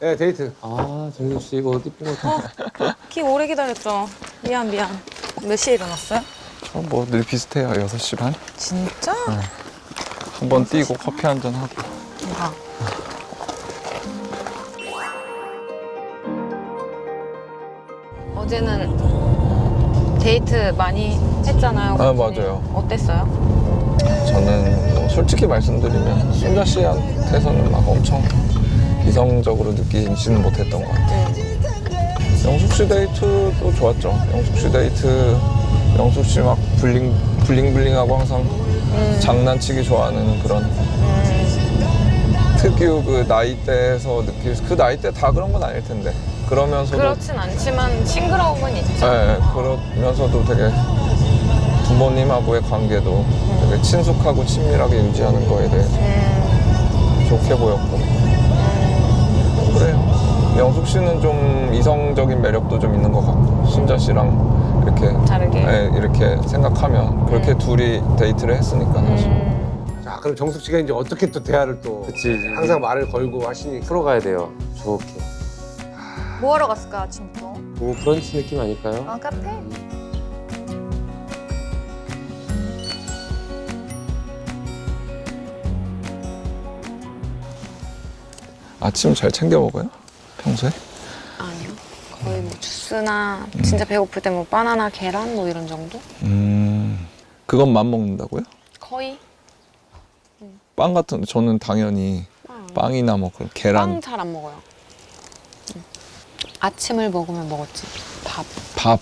네, 데이트. 아, 정숙 씨 이거 어디 핀 거? 키 오래 기다렸죠. 미안. 몇 시에 일어났어요? 뭐 늘 비슷해요. 6시 반? 진짜? 한 번 뛰고 커피 한 잔 하고. 대박. 어제는 데이트 많이 했잖아요. 아, 교수님. 맞아요. 어땠어요? 저는 뭐 솔직히 말씀드리면 순자 씨한테서는 막 엄청 이성적으로 느끼지는 못했던 것 같아요. 영숙 씨 데이트도 좋았죠. 영숙 씨 데이트, 영숙 씨 막 블링블링하고 항상 장난치기 좋아하는 그런 특유 그 나이대에서 느낄 그 나이대 다 그런 건 아닐 텐데 그러면서도 그렇진 않지만 싱그러움은 있죠. 네, 그러면서도 되게 부모님하고의 관계도 되게 친숙하고 친밀하게 유지하는 거에 대해 좋게 보였고 그래요. 영숙 씨는 좀 이성적인 매력도 좀 있는 것 같고 순자 씨랑 이렇게 다르게. 네, 이렇게 생각하면 그렇게 둘이 데이트를 했으니까 사실. 자, 그럼 정숙 씨가 이제 어떻게 또 대화를 또 그치. 항상 말을 걸고 하시니까. 풀어가야 돼요. 좋게. 뭐 하러 갔을까 아침부터? 뭐 브런치 느낌 아닐까요? 아 카페? 아침 잘 챙겨 먹어요? 평소에? 아니요. 거의 뭐 주스나 진짜 배고플 때 뭐 바나나, 계란 뭐 이런 정도? 그것만 먹는다고요? 거의. 빵 같은 저는 당연히 빵이나 뭐 그런 계란 빵 잘 안 먹어요. 아침을 먹으면 먹었지. 밥. 밥.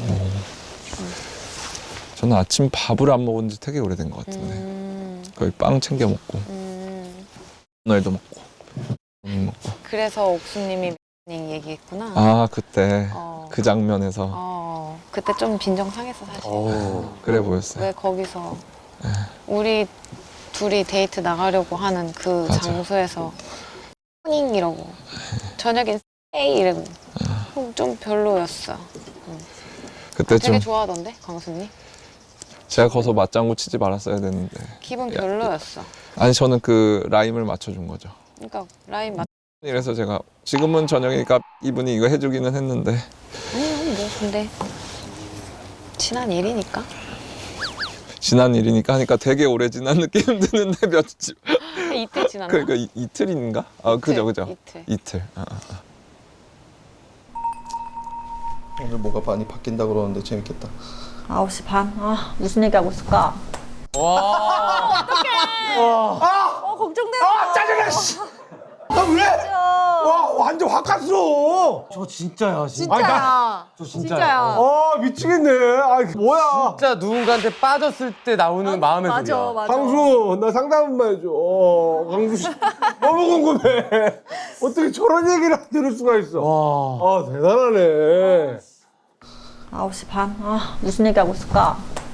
저는 아침 밥을 안 먹은 지 되게 오래된 것 같은데 거의 빵 챙겨 먹고 오늘도 먹고 오늘 먹고 그래서 옥수님이 얘기했구나. 아 그때 어. 그 장면에서 그때 좀 빈정상했어 사실. 그래 보였어요. 왜 거기서 우리 둘이 데이트 나가려고 하는 그 맞아. 장소에서 닝 이러고 저녁엔 에이 이러고 좀 별로였어. 그때 되게 좀 좋아하던데 광수님? 제가 거기서 맞장구 치지 말았어야 되는데 기분 별로였어. 아니 저는 그 라임을 맞춰준 거죠. 그러니까 라인 맞. 이래서 제가 지금은 저녁이니까 이분이 이거 해주기는 했는데 아니요 뭐 근데 지난 일이니까. 지난 일이니까 하니까 되게 오래 지난 느낌 드는데 며칠 이틀 지났나? 그러니까 이틀인가? 아 그죠 이틀. 이틀. 오늘 뭐가 많이 바뀐다 그러는데 재밌겠다. 9시 반? 아, 무슨 얘기하고 있을까? 아, 짜증나, 씨! 아, 왜? 와, 완전 확 갔어! 저 진짜야, 진짜. 아니, 저 진짜야. 아, 미치겠네. 아, 뭐야. 진짜 누군가한테 빠졌을 때 나오는 마음의 소리야. 광수, 나 상담 한번 해줘. 광수 씨. 너무 궁금해. 어떻게 저런 얘기를 들을 수가 있어. 와. 아, 대단하네. 9시 반? 아, 무슨 얘기하고 있을까?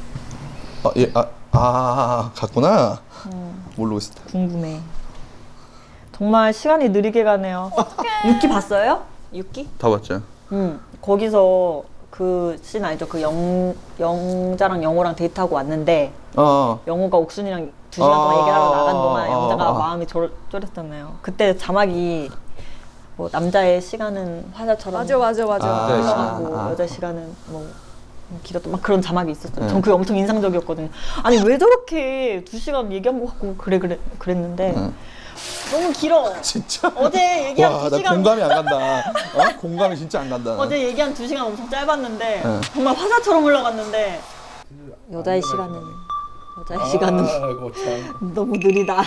갔구나. 모르고 있었다. 궁금해. 정말 시간이 느리게 가네요. 6기 봤어요? 6기? 다 봤죠? 거기서 그 씬 알죠? 그 영자랑 영호랑 데이트하고 왔는데 영호가 옥순이랑 2시간 동안 얘기를 하러 나간 동안 영자가 마음이 쫄았잖아요. 그때 자막이 뭐 남자의 시간은 화자처럼 맞아. 흘러가고 여자 시간은 뭐 길었던 막 그런 자막이 있었어요. 전 그게 엄청 인상적이었거든요. 아니 왜 저렇게 2시간 얘기한 것 같고 그랬는데 너무 길어. 진짜? 어제 얘기한 와, 2시간 나 공감이 안 간다. 공감이 진짜 안 간다. 어제 얘기한 2시간 엄청 짧았는데 정말 화자처럼 흘러갔는데 여자의 시간은 아이고, 참. 너무 느리다.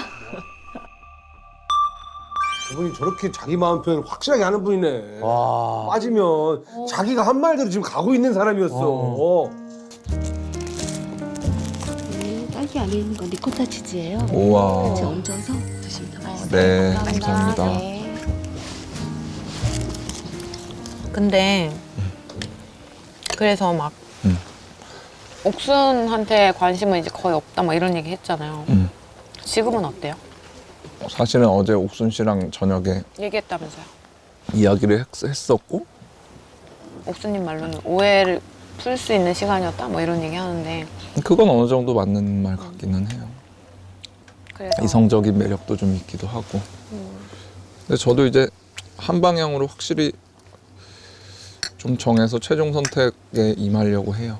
이분이 저렇게 자기 마음 표현을 확실하게 하는 분이네. 와. 빠지면 자기가 한 말대로 지금 가고 있는 사람이었어. 딸기 안에 있는 건 리코타 치즈예요. 우와. 같이 얹어서 드시면 더 맛있어요. 네 감사합니다. 근데 그래서 막 옥순한테 관심은 이제 거의 없다 막 이런 얘기 했잖아요. 지금은 어때요? 사실은 어제 옥순 씨랑 저녁에 얘기했다면서요. 이야기를 했었고 옥수님 말로는 오해를 풀 수 있는 시간이었다 뭐 이런 얘기 하는데 그건 어느 정도 맞는 말 같기는 해요. 그래서 이성적인 매력도 좀 있기도 하고 근데 저도 이제 한 방향으로 확실히 좀 정해서 최종 선택에 임하려고 해요.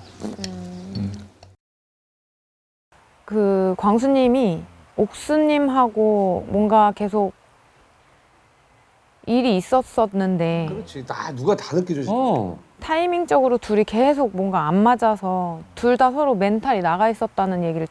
그 광수님이 옥수님하고 뭔가 계속 일이 있었었는데 그렇지. 누가 다 느껴져. 타이밍적으로 둘이 계속 뭔가 안 맞아서 둘 다 서로 멘탈이 나가 있었다는 얘기를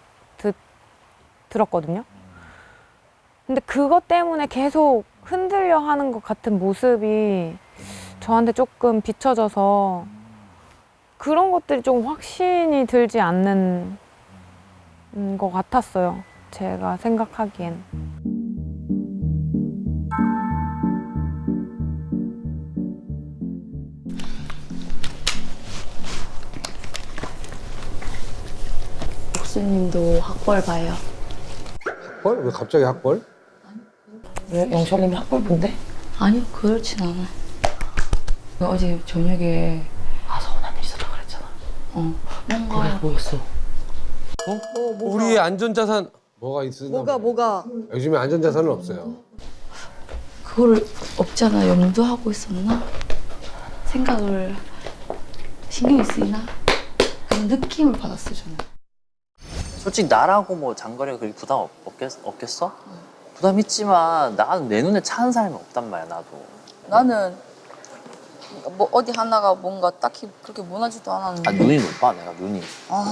들었거든요. 근데 그것 때문에 계속 흔들려 하는 것 같은 모습이 저한테 조금 비춰져서 그런 것들이 조금 확신이 들지 않는 것 같았어요. 제가 생각하기엔. 옥수님도 학벌 봐요. 학벌? 왜 갑자기 학벌? 왜? 영철님이 학벌 본데? 아니요, 그렇진 않아요. 어제 저녁에 서운한 일 있었다 그랬잖아. 뭔가 그래, 뭐였어? 우리의 안전자산 뭐가 있으나? 뭐가? 요즘에 안전자산은 없어요. 그거를 없잖아 염두하고 있었나? 생각을 신경이 쓰이나? 그런 느낌을 받았어요, 저는. 솔직히 나라고 뭐 장거리가 그렇게 부담 없겠어? 부담 있지만 나는 내 눈에 차는 사람이 없단 말이야, 나도. 나는 뭐 어디 하나가 뭔가 딱히 그렇게 무난하지도 않았는데. 눈이 높아, 내가 눈이.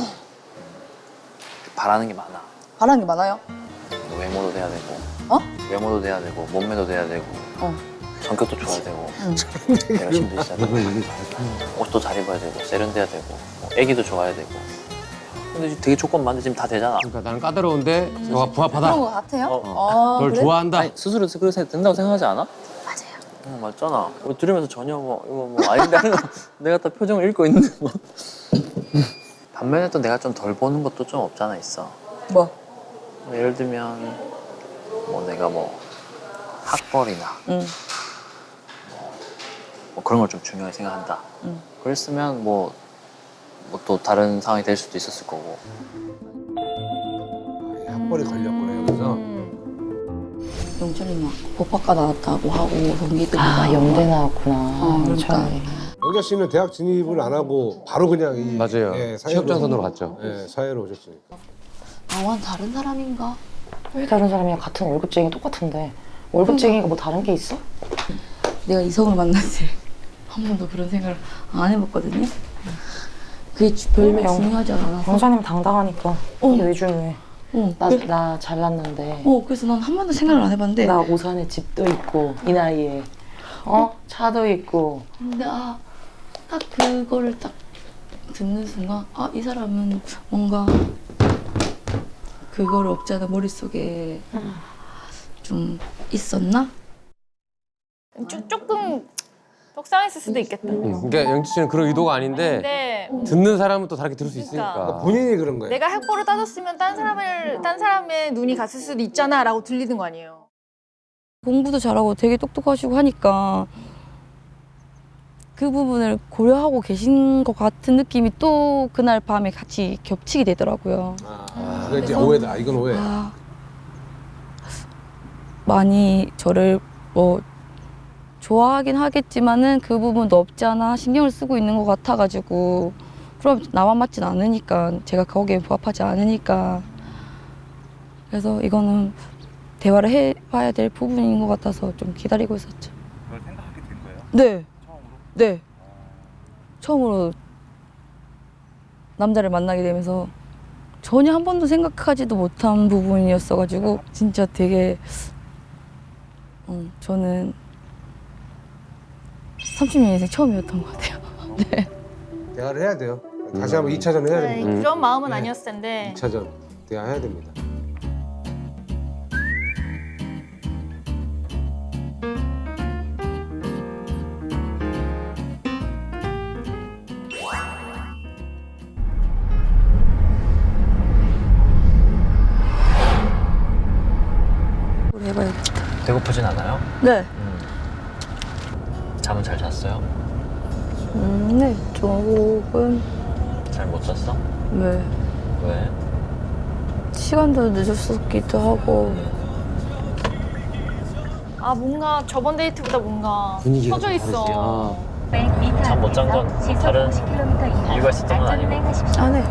바라는 게 많아. 바라는 게 많아요? 외모도 돼야 되고. 어? 외모도 돼야 되고, 몸매도 돼야 되고. 성격도 좋아야 되고. 내가 힘도 있어야 되고. 옷도 잘 입어야 되고, 세련돼야 되고. 뭐 애기도 좋아야 되고. 근데 되게 조건 많은데 지금 다 되잖아. 그러니까 나는 까다로운데 너가 부합하다. 그런 거 같아요? 널 그래? 좋아한다. 아니, 스스로 그렇게 된다고 생각하지 않아? 맞아요. 맞잖아. 들으면서 전혀 이거 아닌데 하는 거 내가 다 표정을 읽고 있는데 뭐. 반면에 또 내가 좀 덜 보는 것도 좀 없잖아 있어. 뭐? 예를 들면 뭐 내가 뭐 학벌이나 뭐 그런 걸 좀 중요하게 생각한다. 그랬으면 뭐 또 다른 상황이 될 수도 있었을 거고. 학벌이 걸렸구나 여기서. 영철님 막 법학과 나왔다고 하고 동기들이 연대 나왔구나. 그러니까 영자 씨는 대학 진입을 안 하고 바로 그냥 이 맞아요. 사회로- 취업전선으로 갔죠. 사회로 오셨으니까. 나와는 다른 사람인가? 왜 다른 사람이랑 같은 월급쟁이 똑같은데? 월급쟁이가 뭐 다른 게 있어? 내가 이성을 만날 때 한 번도 그런 생각을 안 해봤거든요. 그게 별로 중요하지 않아서. 영자님 당당하니까. 그게 왜 중요해? 나 잘났는데. 그래서 난 한 번도 생각을 안 해봤는데. 나 오산에 집도 있고 이 나이에 차도 있고. 근데 딱 그거를 딱 듣는 순간 이 사람은 뭔가 그거를 없잖아 머릿속에 좀 있었나? 조금 속상했을 수도 있겠다. 그러니까 영지 씨는 그런 의도가 아닌데 듣는 사람은 또 다르게 들을 수 있으니까. 본인이 그런 거예요. 내가 학벌을 따졌으면 딴 사람의 눈이 갔을 수도 있잖아라고 들리는 거 아니에요. 공부도 잘하고 되게 똑똑하시고 하니까 그 부분을 고려하고 계신 것 같은 느낌이 또 그날 밤에 같이 겹치게 되더라고요. 그게 이제 오해다. 이건 오해. 많이 저를 뭐 좋아하긴 하겠지만은 그 부분도 없지 않아 신경을 쓰고 있는 것 같아가지고 그럼 나만 맞진 않으니까 제가 거기에 부합하지 않으니까 그래서 이거는 대화를 해봐야 될 부분인 것 같아서 좀 기다리고 있었죠. 그걸 생각하게 된 거예요? 네. 처음으로? 네. 처음으로 남자를 만나게 되면서 전혀 한 번도 생각하지도 못한 부분이었어가지고 진짜 되게 저는 30년 인생 처음이었던 것 같아요. 네. 대화를 해야 돼요. 다시 한번 2차전 해야 됩니다. 그런 마음은 아니었을 텐데. 2차전 대화해야 됩니다. 해봐야겠다. 배고프진 않아요? 네. 잠은 잘 잤어요? 네. 조금. 잘 못 잤어? 네. 왜? 시간도 늦었었기도 하고. 아 뭔가 저번 데이트보다 뭔가 분위기가 퍼져 좀 있어. 다르지. 잠 못 잔 건 다른 이유가 있었던 건 아니고. 아, 네.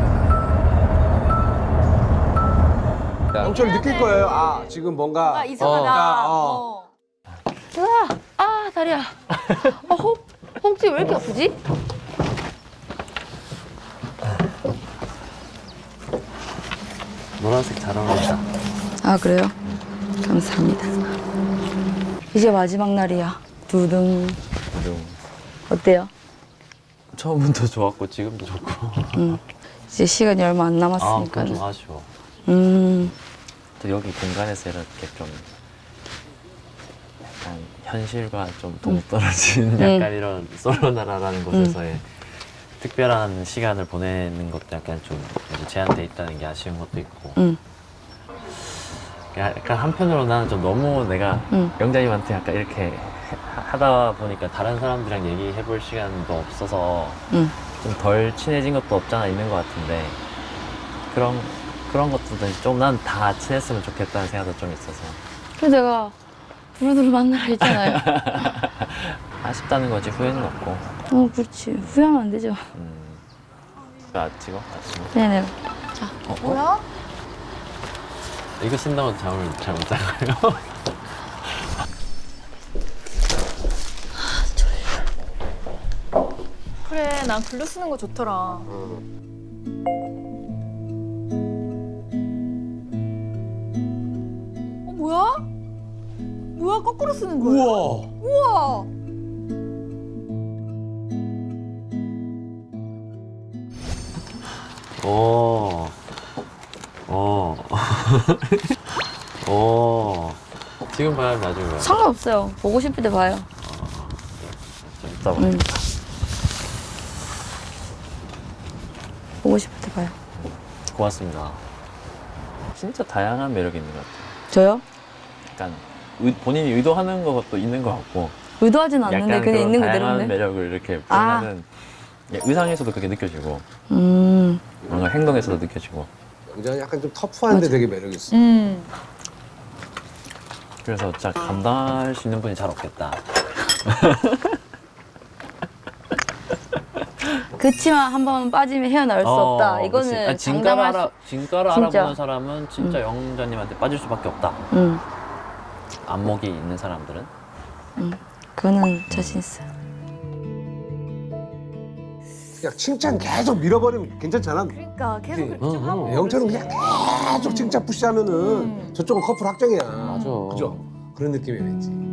영철 느낄 거예요. 아 지금 뭔가 아 이상하다. 으아, 아, 다리야. 혹시 왜 이렇게 아프지? 노란색 잘 어울린다. 아, 그래요? 감사합니다. 이제 마지막 날이야. 두둥. 어때요? 처음부터 좋았고 지금도 좋고. 이제 시간이 얼마 안 아, 남았으니까. 그건 좀 아쉬워. 음, 또 여기 공간에서 이렇게 좀 약간 현실과 좀 동떨어진 약간 이런 솔로나라라는 곳에서의 특별한 시간을 보내는 것도 약간 좀 이제 제한돼 있다는 게 아쉬운 것도 있고. 약간 한편으로 나는 좀 너무 내가 영자님한테 약간 이렇게 하다 보니까 다른 사람들이랑 얘기해 볼 시간도 없어서 좀 덜 친해진 것도 없잖아 있는 것 같은데 그런 것들도 좀 난 다 친했으면 좋겠다는 생각도 좀 있어서. 그래서 내가 두루두루 만나라 했잖아요. 아쉽다는 거지 후회는 없고. 그렇지. 후회하면 안 되죠. 찍어? 네네. 뭐야? 이거 쓴다고 잠을 잘 못 자요. 그래 난 글로 쓰는 거 좋더라. 뭐야? 뭐야 거꾸로 쓰는 거야? 우와. 오. 지금 봐요, 나중에 봐요. 상관없어요. 보고 싶을 때 봐요. 좀 이따 봐요. 보고 싶을 때 봐요. 고맙습니다. 진짜 다양한 매력이 있는 것 같아요. 저요? 약간 본인이 의도하는 것도 있는 것 같고. 의도하진 않는데 약간 그냥 있는 다양한 그대로인데. 매력을 이렇게 아. 표현하는 의상에서도 그렇게 느껴지고 뭔가 행동에서도 느껴지고. 영자는 약간 좀 터프한데 되게 매력 있어. 그래서 진짜 감당할 수 있는 분이 잘 없겠다. 그치만 한 번 빠지면 헤어나올 수 없다. 이거는 장담할 수. 진가를 진짜. 알아보는 사람은 진짜 영자님한테 빠질 수밖에 없다. 안목이 있는 사람들은. 그거는 자신 있어요. 그냥 칭찬 계속 밀어버리면 괜찮잖아. 그러니까 계속 그렇게 좀 하고. 영철은 그냥 계속 칭찬 푸시하면은 저쪽은 커플 확정이야. 맞아. 그죠? 그런 느낌이 왠지.